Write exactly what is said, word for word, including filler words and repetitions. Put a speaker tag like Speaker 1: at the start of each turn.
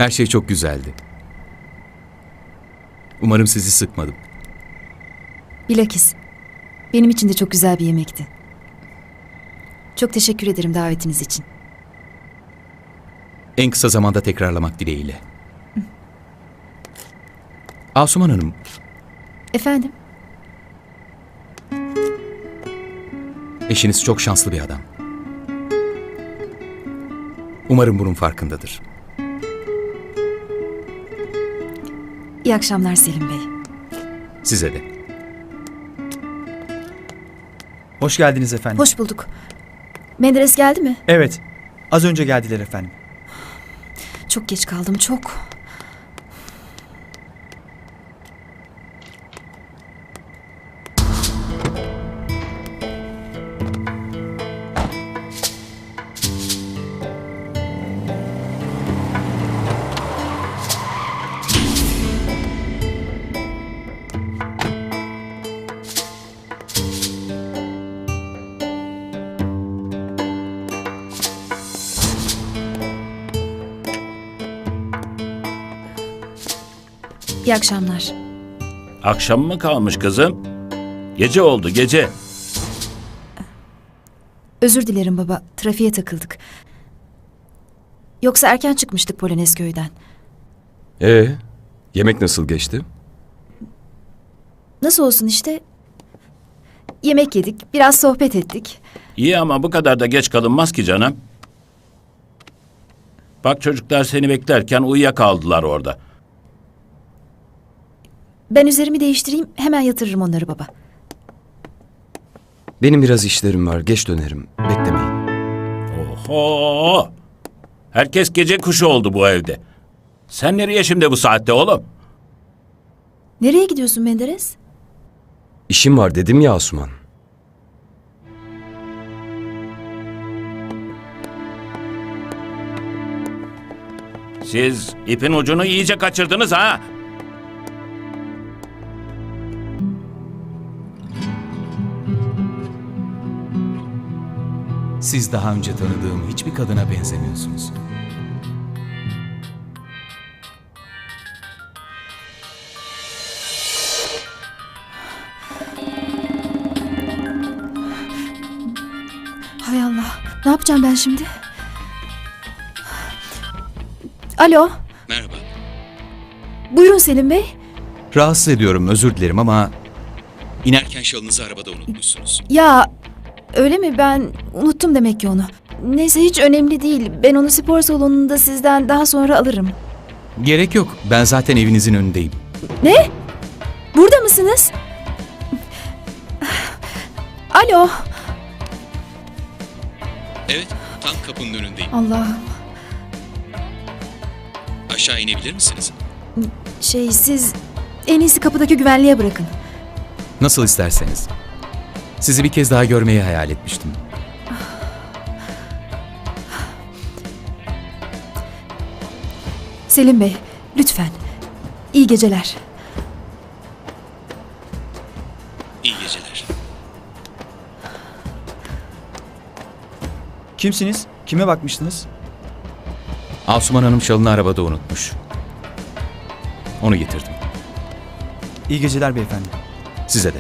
Speaker 1: Her şey çok güzeldi. Umarım sizi sıkmadım.
Speaker 2: Bilakis. Benim için de çok güzel bir yemekti. Çok teşekkür ederim davetiniz için.
Speaker 1: En kısa zamanda tekrarlamak dileğiyle. Asuman Hanım,
Speaker 2: Efendim?
Speaker 1: eşiniz çok şanslı bir adam. Umarım bunun farkındadır.
Speaker 2: İyi akşamlar Selim Bey.
Speaker 1: Size de.
Speaker 3: Hoş geldiniz efendim.
Speaker 2: Hoş bulduk. Menderes geldi mi?
Speaker 3: Evet. Az önce geldiler efendim.
Speaker 2: Çok geç kaldım, çok. İyi akşamlar.
Speaker 4: Akşam mı kalmış kızım? Gece oldu, gece.
Speaker 2: Özür dilerim baba, trafiğe takıldık. Yoksa erken çıkmıştık Polonezköy'den.
Speaker 5: Ee, yemek nasıl geçti?
Speaker 2: Nasıl olsun işte? Yemek yedik, biraz sohbet ettik.
Speaker 4: İyi ama bu kadar da geç kalınmaz ki canım. Bak çocuklar seni beklerken uyuyakaldılar orada.
Speaker 2: Ben üzerimi değiştireyim, hemen yatırırım onları baba.
Speaker 5: Benim biraz işlerim var, geç dönerim. Beklemeyin.
Speaker 4: Oho! Herkes gece kuşu oldu bu evde. Sen nereye şimdi bu saatte oğlum?
Speaker 2: Nereye gidiyorsun Menderes?
Speaker 5: İşim var dedim ya Asuman.
Speaker 4: Siz ipin ucunu iyice kaçırdınız ha?
Speaker 1: Siz daha önce tanıdığım hiçbir kadına benzemiyorsunuz.
Speaker 2: Hay Allah, ne yapacağım ben şimdi? Alo,
Speaker 1: Merhaba.
Speaker 2: buyurun Selim Bey.
Speaker 1: Rahatsız ediyorum, özür dilerim ama... İnerken şalınızı arabada unutmuşsunuz.
Speaker 2: Ya, öyle mi? Ben unuttum demek ki onu. Neyse hiç önemli değil. Ben onu spor salonunda sizden daha sonra alırım.
Speaker 1: Gerek yok, ben zaten evinizin önündeyim.
Speaker 2: Ne? Burada mısınız? Alo.
Speaker 1: Evet, tam kapının önündeyim.
Speaker 2: Allah'ım.
Speaker 1: Aşağı inebilir misiniz?
Speaker 2: Şey siz en iyisi kapıdaki güvenliğe bırakın.
Speaker 1: Nasıl isterseniz. Sizi bir kez daha görmeyi hayal etmiştim.
Speaker 2: Selim Bey, lütfen. İyi geceler.
Speaker 1: İyi geceler.
Speaker 3: Kimsiniz? Kime bakmıştınız?
Speaker 1: Asuman Hanım şalını arabada unutmuş. Onu getirdim.
Speaker 3: İyi geceler beyefendi.
Speaker 1: Size de.